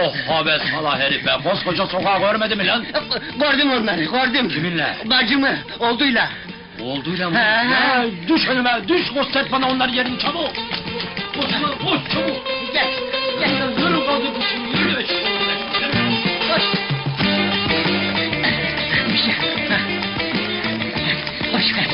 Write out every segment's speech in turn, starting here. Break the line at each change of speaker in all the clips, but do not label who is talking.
Oh habes hala herif be, koskoca sokağı görmedi mi lan?
Gördüm onları, gördüm.
Kiminle?
Bacımı, olduyla.
Olduyla mı?
He.
Ya, düş önüme, düş göster bana onların yerini çabuk! Koş lan, koş çabuk!
Gel, gel.
Yürü kaldır bu şimdi, yürü!
Koş. Bir şey. Koş ver.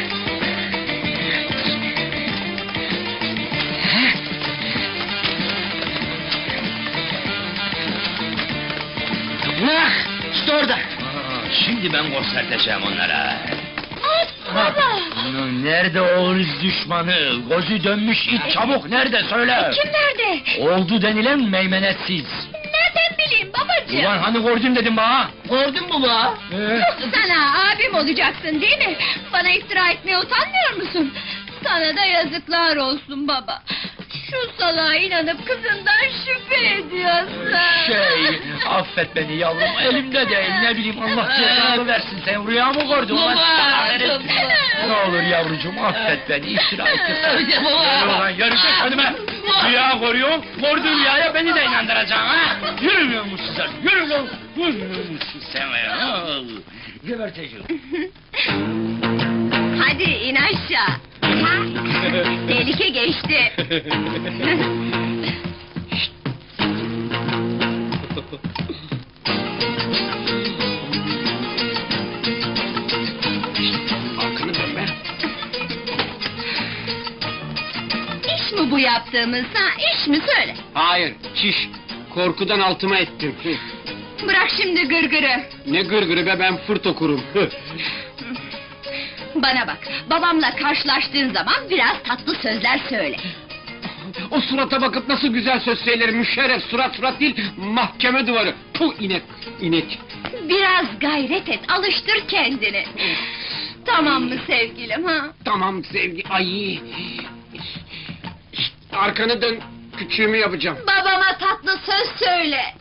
Ah, işte orada.
Şimdi ben göstereceğim onlara!
Baba!
Nerede o ırz düşmanı? Gözü dönmüş it çabuk nerede söyle?
Kim nerede?
Oldu denilen meymenetsiz.
Nereden bileyim babacığım?
Ulan hani gördün dedim bana?
Gördün mü bu?
Sana abim olacaksın değil mi? Bana iftira etmeye utanmıyor musun? Sana da yazıklar olsun baba. Şu salağa inanıp kızından şüphe ediyorsun.
Affet beni yavrum, elimde değil, ne bileyim Allah cezanı versin, sen rüya mı gördün lan? Ne olur yavrucuğum, affet beni, iftira ettim. Yürü ulan, yürü git önüme! Rüya görüyorum, gördüğün rüyaya beni de inandıracaksın ha! Yürümüyor musun sen, yürü lan! Yürümüyor musun sen ya? Geberteceğim.
Hadi in aşağı. Tehlike geçti.
Hakkını verme.
İş mi bu yaptığımız ha? İş mi söyle?
Hayır, çiş. Korkudan altıma ettim.
Bırak şimdi gırgırı.
Ne gırgırı be, ben fırt okurum.
Bana bak, babamla karşılaştığın zaman biraz tatlı sözler söyle.
O surata bakıp nasıl güzel söz söylerim, müşerref surat değil, mahkeme duvarı. Puh inek, inek.
Biraz gayret et, alıştır kendini. Tamam mı sevgilim ha?
Tamam sevgi, ay. Arkanı dön, küçüğümü yapacağım.
Babama tatlı söz söyle.